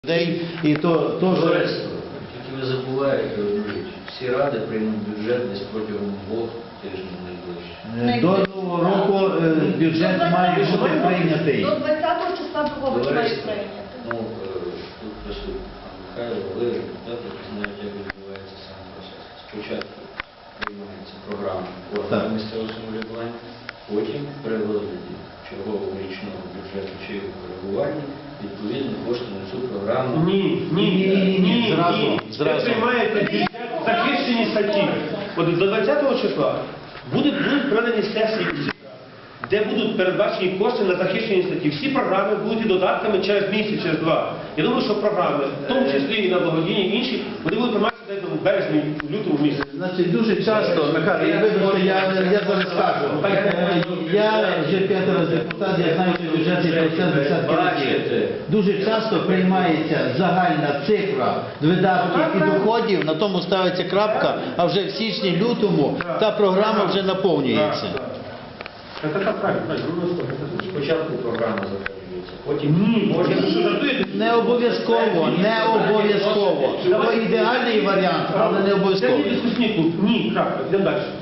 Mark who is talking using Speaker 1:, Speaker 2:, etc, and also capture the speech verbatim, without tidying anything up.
Speaker 1: людей, і то теж...
Speaker 2: Товариство, тільки ви забуваєте одну річ. Всі ради приймуть бюджет десь протягом двох тижнів найближче.
Speaker 1: До нового року е, бюджет має бути прийнятий.
Speaker 3: До двадцятого числа другого має
Speaker 2: Товариство,
Speaker 3: прийняти.
Speaker 2: ну, е, тут присутні пан Михайло, ви депутати, які знають, як відбувається сам процес. Спочатку приймається програма органу місцевого самоврядування, потім при розгляді чергового річного бюджету чи його коригування відповідно кошти на цю програму.
Speaker 4: Ні, ні, ні, ні, ні,
Speaker 1: зразу,
Speaker 4: ні.
Speaker 1: зразу.
Speaker 4: Ви приймаєте бюджет захищені статті. От до двадцятого числа будуть, будуть проведені сесії, де будуть передбачені кошти на захищені статті. Всі програми будуть і додатками через місяць, через два. Я думаю, що програми, в тому числі і на благодійні, і інші, вони будуть прийматися десь в березні, в лютому місяці.
Speaker 1: Значить, дуже часто, Михайло, я вибачте, я, я зараз скажу. Е, Я вже п'ятий раз депутат, я знаю, що бюджетний процес десятки разів. Дуже часто приймається загальна цифра видатків і доходів, на тому ставиться крапка, а вже в січні-лютому та програма вже наповнюється.
Speaker 4: Це так правильно, правильно.
Speaker 2: Спочатку програма затверджується, потім
Speaker 4: Ні, може, ви що жартуєте?
Speaker 1: Не обов'язково, не обов'язково. Це ідеальний варіант, але не
Speaker 4: Це
Speaker 1: обов'язково.
Speaker 4: не дискусійний клуб. Ні, крапка, йдемо далі.